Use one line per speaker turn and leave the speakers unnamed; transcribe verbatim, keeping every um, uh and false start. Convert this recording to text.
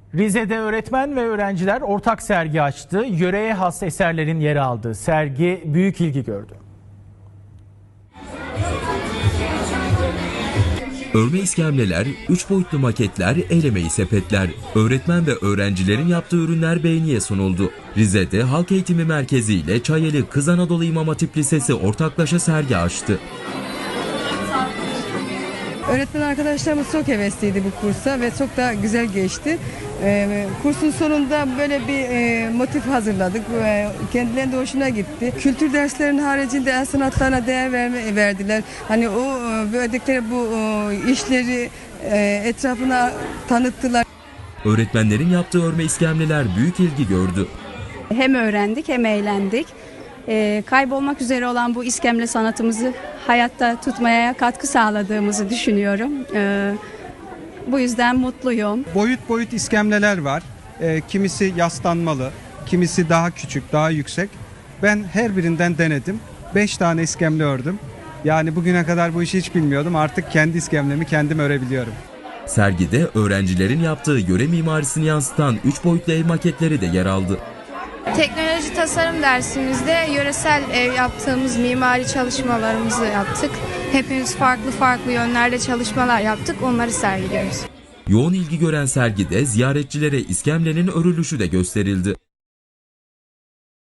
Rize'de öğretmen ve öğrenciler ortak sergi açtı. Yöreye has eserlerin yer aldığı sergi büyük ilgi gördü.
Örme iskemleler, üç boyutlu maketler, el emeği sepetler, öğretmen ve öğrencilerin yaptığı ürünler beğeniye sunuldu. Rize'de Halk Eğitimi Merkezi ile Çayeli Kız Anadolu İmam Hatip Lisesi ortaklaşa sergi açtı.
Öğretmen arkadaşlarımız çok hevesliydi bu kursa ve çok da güzel geçti. Ee, kursun sonunda böyle bir e, motif hazırladık. Ee, kendilerine de hoşuna gitti. Kültür derslerinin haricinde el sanatlarına değer verme, verdiler. Hani o e, verdikleri bu e, işleri e, etrafına tanıttılar.
Öğretmenlerin yaptığı örme iskemleler büyük ilgi gördü.
Hem öğrendik hem eğlendik. Ee, kaybolmak üzere olan bu iskemle sanatımızı hayatta tutmaya katkı sağladığımızı düşünüyorum. Ee, bu yüzden mutluyum.
Boyut boyut iskemleler var. E, kimisi yaslanmalı, kimisi daha küçük, daha yüksek. Ben her birinden denedim. Beş tane iskemle ördüm. Yani bugüne kadar bu işi hiç bilmiyordum. Artık kendi iskemlemi kendim örebiliyorum.
Sergide öğrencilerin yaptığı yöre mimarisini yansıtan üç boyutlu ev maketleri de yer aldı.
Teknoloji tasarım dersimizde yöresel ev yaptığımız mimari çalışmalarımızı yaptık. Hepimiz farklı farklı yönlerde çalışmalar yaptık, onları sergiliyoruz.
Yoğun ilgi gören sergide ziyaretçilere iskemlenin örülüşü de gösterildi.